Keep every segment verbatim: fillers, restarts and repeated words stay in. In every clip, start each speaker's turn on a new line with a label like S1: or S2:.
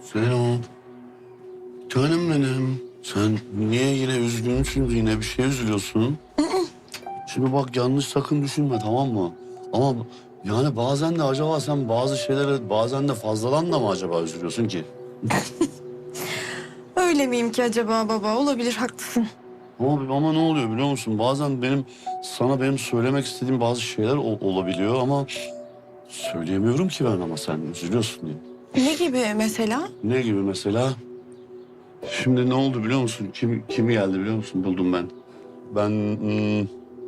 S1: Selam. Canım benim. Sen niye yine üzgünsün, yine bir şey üzülüyorsun? Şimdi bak yanlış sakın düşünme, tamam mı? Ama yani bazen de acaba sen bazı şeylere bazen de fazladan da mı acaba üzülüyorsun ki?
S2: Öyle miyim ki acaba baba? Olabilir, haklısın.
S1: Ama, ama ne oluyor biliyor musun? Bazen benim sana benim söylemek istediğim bazı şeyler ol- olabiliyor ama söyleyemiyorum ki ben, ama sen üzülüyorsun diye.
S2: Ne gibi mesela?
S1: Ne gibi mesela? Şimdi ne oldu biliyor musun? Kim kimi geldi biliyor musun? Buldum ben. Ben hmm,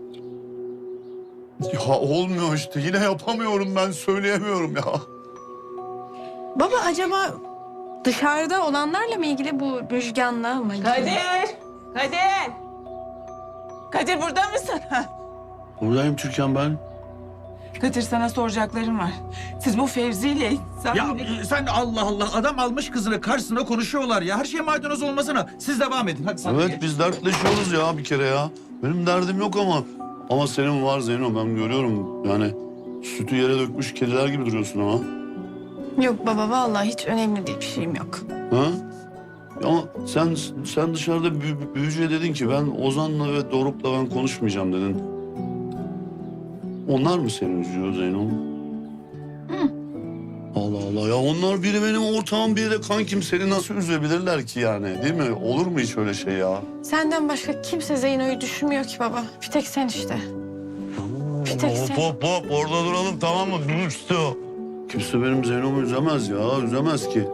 S1: ya olmuyor işte. Yine yapamıyorum ben. Söyleyemiyorum ya.
S2: Baba acaba dışarıda olanlarla mı ilgili, bu Müjgan'la mı ilgili?
S3: Kadir! Kadir! Kadir burada mısın? Ha.
S1: Buradayım Türkan ben.
S3: Kadir sana soracaklarım var. Siz bu Fevzi ile...
S4: Ya e, sen Allah Allah, adam almış kızını karşısına konuşuyorlar ya. Her şey maydanoz olmasına. Siz devam edin hadi sen de
S1: Evet
S4: geç.
S1: biz dertleşiyoruz ya bir kere ya. Benim derdim yok ama. Ama senin var Zeyno, ben görüyorum. Yani sütü yere dökmüş kediler gibi duruyorsun ama.
S2: Yok baba, vallahi hiç önemli değil, bir şeyim yok.
S1: Ha? Ama sen sen dışarıda büyü, büyücüye dedin ki ben Ozan'la ve Doruk'la ben konuşmayacağım dedin. Onlar mı seni üzüyor Zeyno?
S2: Hı.
S1: Allah Allah ya, onlar biri benim ortağım, biri de kankim, seni nasıl üzebilirler ki yani, değil mi? Olur mu hiç öyle şey ya?
S2: Senden başka kimse Zeyno'yu düşünmüyor ki baba. Bir tek sen işte. Bir tek sen.
S1: Hop hop hop, orada duralım tamam mı? Üstü. Kimse benim Zeyno'mu üzemez ya, üzemez ki.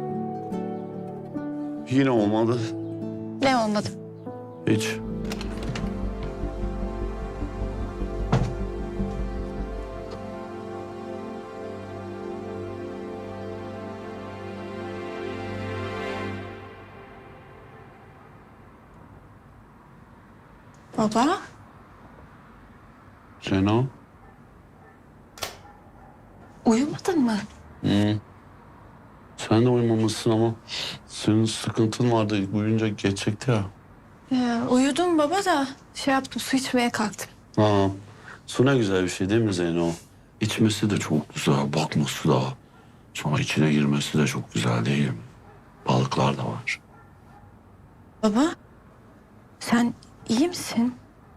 S1: Yine olmadı.
S2: Ne olmadı?
S1: Hiç.
S2: Baba?
S1: Zeyno?
S2: Uyumadın mı?
S1: Hı. Sen de uyumamışsın ama senin sıkıntın vardı. Uyuyunca geçecekti ya.
S2: Ee, uyudum baba da şey yaptım, su içmeye kalktım.
S1: Ha, su ne güzel bir şey değil mi Zeyno? İçmesi de çok güzel, bakması da. Sonra içine girmesi de çok güzel değil mi? Balıklar da var.
S2: Baba, sen iyi misin?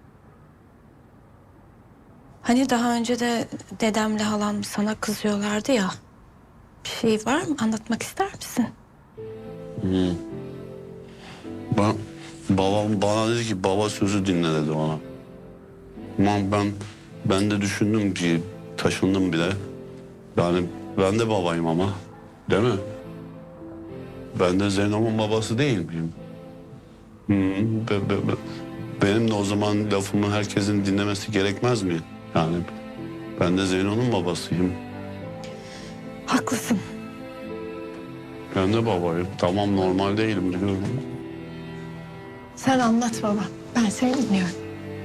S2: Hani daha önce de dedemle halam sana kızıyorlardı ya. Bir şey var mı? Anlatmak ister misin?
S1: Hı. Ben, babam bana dedi ki baba sözü dinle dedi bana. Ama ben, ben de düşündüm ki taşındım bile. Yani ben de babayım ama, değil mi? Ben de Zeyno'nun babası değil miyim? Hı, be, be, be. Benim de o zaman lafımı herkesin dinlemesi gerekmez mi? Yani ben de Zeyno'nun babasıyım.
S2: Haklısın.
S1: Ben de babayım. Tamam, normal değilim biliyorum.
S2: Sen anlat baba. Ben seni dinliyorum.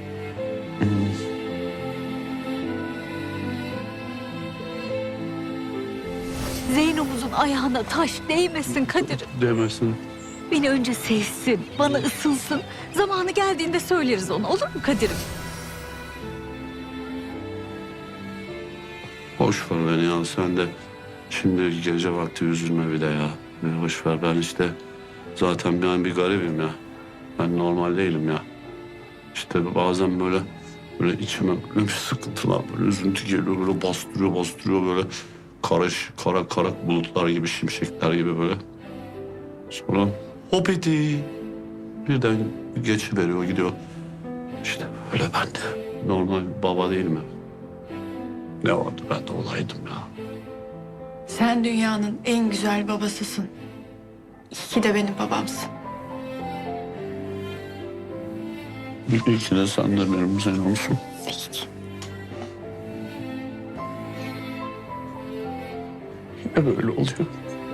S5: Zeyno'muzun ayağına taş değmesin Kadir.
S1: Demesin.
S5: Beni önce sevsin, bana ısınsın. Zamanı geldiğinde söyleriz ona, olur mu Kadir'im?
S1: Boş ver beni ya, sen de şimdi gece vakti üzülme bir de ya. Ya boş ver, ben işte zaten ben bir garibim ya. Ben normal değilim ya. İşte bazen böyle böyle içime böyle bir sıkıntılar, böyle üzüntü geliyor, böyle bastırıyor bastırıyor, böyle karış kara kara bulutlar gibi, şimşekler gibi böyle. Sonra hop eti birden geçiveriyor gidiyor. İşte öyle ben de normal bir baba değilim ya. Ne vardı ben de olaydım ya.
S2: Sen dünyanın en güzel babasısın. İyi ki de benim babamsın.
S1: İyi ki de sen de benim Zeyno'msun.
S2: İyi ki.
S1: Hep böyle oluyor.